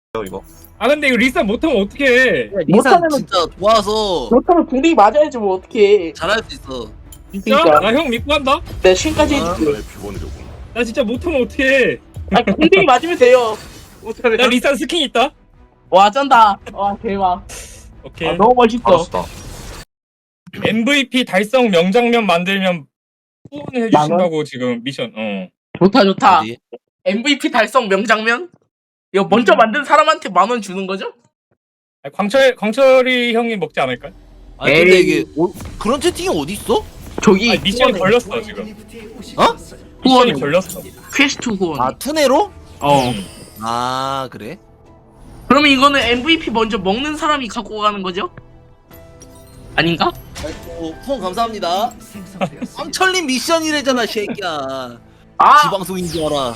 이거. 아 근데 이거 리산 못하면 어떡해. 리산 못하면은- 진짜 좋아서 그렇다면 궁이 맞아야지 뭐 어떻게? 잘할 수 있어. 진짜? 그러니까. 나 형 믿고 한다? 내가 신까지 해줄게. 나의 표본이로군. 나 진짜 못하면 어떡해. 아 궁이 맞으면 돼요. 나 못하면. 리산 스킨 있다? 와 쩐다. 와 대박. 오케이. 아 너무 멋있어. 알았다. MVP 달성 명장면 만들면 후원을 해주신다고 지금 미션. 좋다 좋다. 어디? MVP 달성 명장면? 이거 먼저 만든 사람한테 10,000원 주는 거죠? 아니, 광철이 형이 먹지 않을까? 아니 근데 에이. 이게 그런 채팅이 어디 있어? 저기 아니, 미션이 후원에. 걸렸어 지금. 어? 미션이 후원. 걸렸어. 퀘스트 후원. 아 투네로? 어. 아 그래? 그러면 이거는 MVP 먼저 먹는 사람이 갖고 가는 거죠? 아닌가? 아이고 후원 감사합니다. 황철님 미션이래잖아 새끼야. 아 지방송인 줄 알아.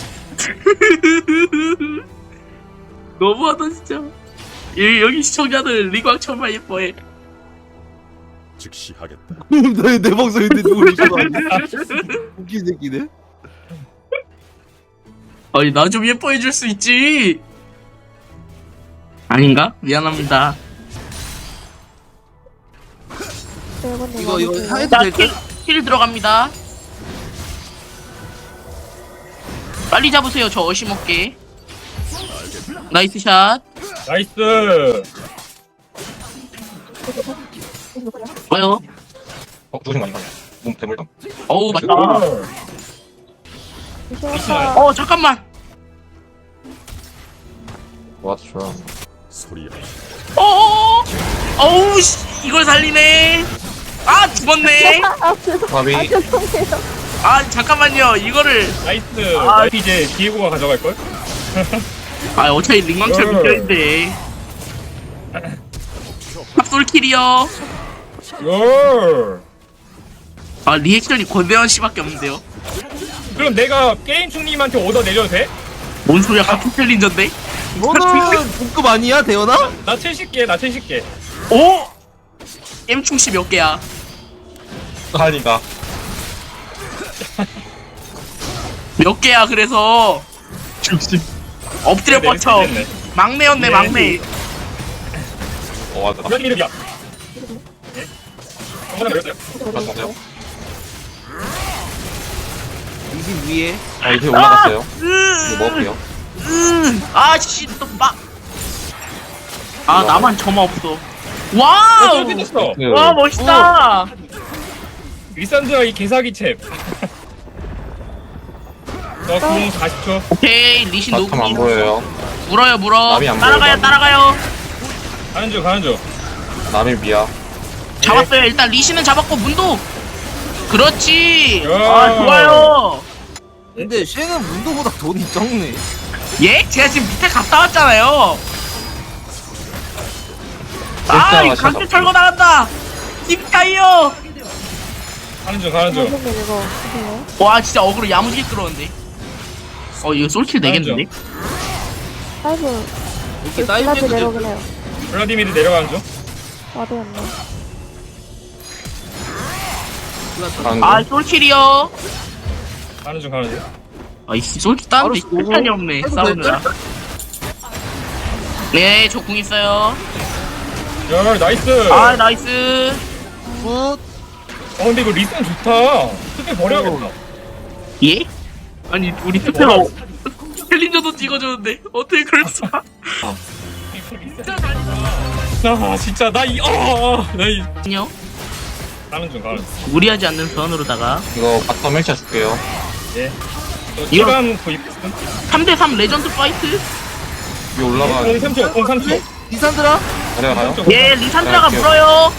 너무하다 진짜. 여기 시청자들 리광천만 예뻐해. 즉시 하겠다. 내 방송인데 누구 미션 웃긴 새끼네. 아니 나 좀 예뻐해 줄 수 있지. 아닌가? 미안합니다. 이거 해도 자, 될까? 킬 들어갑니다. 빨리 잡으세요. 저 어시먹게. 나이스 샷. 나이스. 뭐요? 누구신 거 아닌가? 몸 대물당. 어우 맞다. 미션. 잠깐만. 와 좋아. 소리야. 어우 씨 이걸 살리네. 아 죽었네. 밥이 아 잠깐만요. 이거를 나이스. 아. 이제 디에고가 가져갈 걸? 아 어차피 링망철 미쳐인데. 탑솔킬이요. 요. 아 리액션이 권대현 씨밖에 없는데요. 그럼 내가 게임 충님한테 오더 내려도 돼? 뭔 소리야? 같은 챌린저인데? 너는 동급 아니야 대현아? 나 70개, 나 70개. 오! M충씨 몇 개야? 아니다. 몇 개야 그래서 60. 엎드려 네, 뻗쳐. 됐네. 막내였네 네. 막내. 맞아. 이런 이름이야. 예? 정말 그랬어요? 맞아요. 20 위에. 이제 올라갔어요. 이거 먹을게요. 아씨 또 막. 아 나만 점화 없어. 와우! 됐어. 와 멋있다. 리산드라 이 개사기 챔. 너궁 40초. 오케이 리신 바텀 안 노궁. 보여요. 물어요 물어. 남이 안 따라가요 보여, 남이. 따라가요. 가는 중, 가는 중. 남의 미야. 잡았어요. 일단 리신은 잡았고 문도. 그렇지. 야. 아 좋아요. 근데 쟤는 문도보다 돈이 적네. 예? 제가 지금 밑에 갔다 왔잖아요. 아, 진짜 이 강제 맛있어. 철거 나간다. 딥타이어. 가는 중, 가는 중. 와, 진짜 어그로 야무지게 끌었는데. 이거 솔킬 되겠는데? 아이고, 이렇게 다이브해도 돼. 내려오네요. 블라디미르 내려가는 중. 와드였네. 가는 아, 중. 솔킬이요. 가는 중, 가는 중. 이 솔킬 따는데 바로 시간이 없네. 해도 싸우느라. 네, 저 궁 있어요. 야, 나이스. 아, 나이스. 굿. 근데 이거 리산 좋다. 스페 버려야겠다. 예? 아니, 우리 스페가 챌린저도 찍어줬는데 어떻게 그럴 수가? 아, 진짜 나 안녕. 가는 중, 가는 중. 무리하지 않는 선으로다가 이거 바텀 헬차 줄게요. 예. 저 이거- 시간 구입. 3대3 레전드 파이트. 위에 올라가. 3초, 3초. 리산드라? 내려가요. 예, 리산드라가 네, 물어요.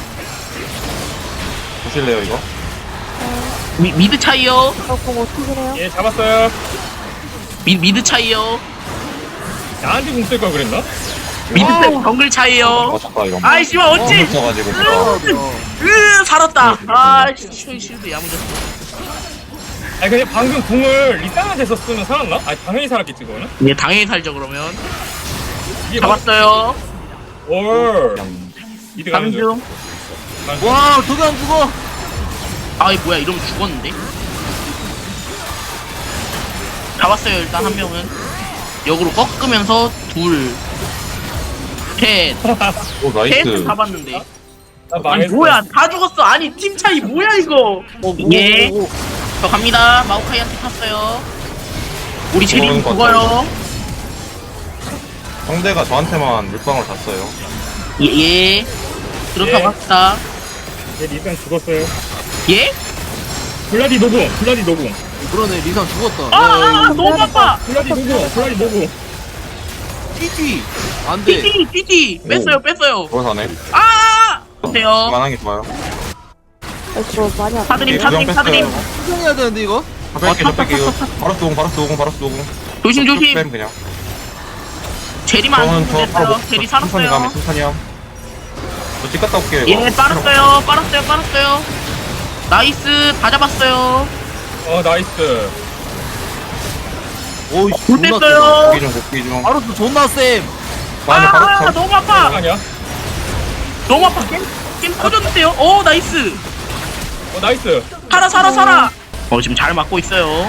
보실래요 이거? 미드 차이요. 공 어떻게 해요? 예, 잡았어요. 미드 차이요. 나한테 궁 쓸 걸 그랬나? 미드 정글 차이요. 잠깐 이거. 아이 씨발 어찌? 훔쳐가지고 살았다. 아 실드 야무졌어. 아니 근데 방금 궁을 리산한테 썼으면 살았나? 아니 당연히 살았겠지 그거는? 예 당연히 살죠 그러면. 이게 잡았어요. 올. 이드 가는 중. 강중. 가는 중. 와 저기 안 죽어. 아이 뭐야 이러면 죽었는데. 잡았어요 일단 한 명은. 역으로 꺾으면서 둘. 셋. 오 셋 나이스. 잡았는데. 아, 아니 망했어. 뭐야 다 죽었어. 아니 팀 차이 뭐야 이거. 예. 저 갑니다. 마오카이한테 탔어요. 우리 제린 것 죽어요. 상대가 저한테만 물방울 잤어요. 예. 그렇다고 예. 합시다. 얘 리산 죽었어요. 예? 블라디 노궁, 블라디 노궁. 그러네 리산 죽었다. 아 너무 아파. 블라디 노궁, 블라디 노궁. 띠띠 안돼. 띠띠 뺐어요. 돌아사네. 아 보세요. 그만한 게 좋아요. 이거 많이 안 사드림 예, 구경 사드림. 뺐어요. 수정해야 되는데 이거. 뺄게요, 뺄게요. 바로 쏘고, 바로 쏘고, 바로 쏘고. 조심 조심. 뺨 그냥. 제리만 안 저는 죽으면 저 바로 됐어요. 못- 제리 천천히 가면 살았어요. 천천히 함. 저집 갔다 올게요. 예 이거. 빨았어요. 나이스 다 잡았어요. 나이스. 오이 볼 존나 뺐어요. 복귀 중, 복귀 중. 바로 또 존나 쌤. 나는 바로 아 쳐. 너무 아파. 아니야? 너무 아파. 게임 터졌는데요. 오 나이스. 나이스. 살아. 지금 잘 맞고 있어요.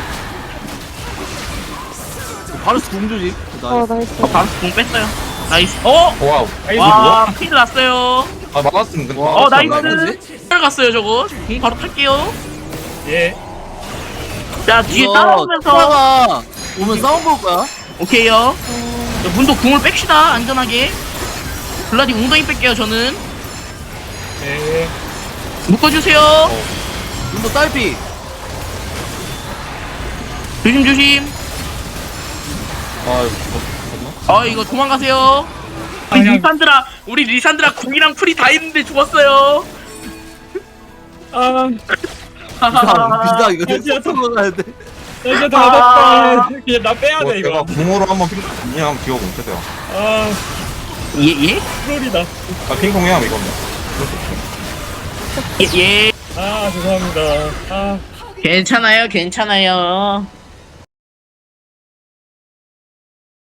바로 공조지. 나이스. 바로 공 뺐어요. 나이스. 와우. 나이스. 와 피드 났어요. 아, 막았으면 근데. 와, 나이스. 잘 갔어요 저거. 공 바로 탈게요. 예. 자 뒤에 따라오면서 오면 싸움 볼 거야. 오케이요. 자, 문도 궁을 뺍시다 안전하게. 블라디 웅덩이 뺄게요 저는. 예. 묶어주세요. 눈도 딸피. 조심. 아, 이거 이거 도망가세요. 그냥- 우리 리산드라 궁이랑 풀이 다 있는데 죽었어요. 비다 이거 진짜 쏘고 가야 돼. 이제 다 얻었다. 그냥 나 빼야 뭐 돼 제가 이거. 궁으로 한번 핑퐁 그냥 기억 못해서요. 예? 트롤이다. 아, 핑퐁 해야 이거는. 예. 죄송합니다. 괜찮아요.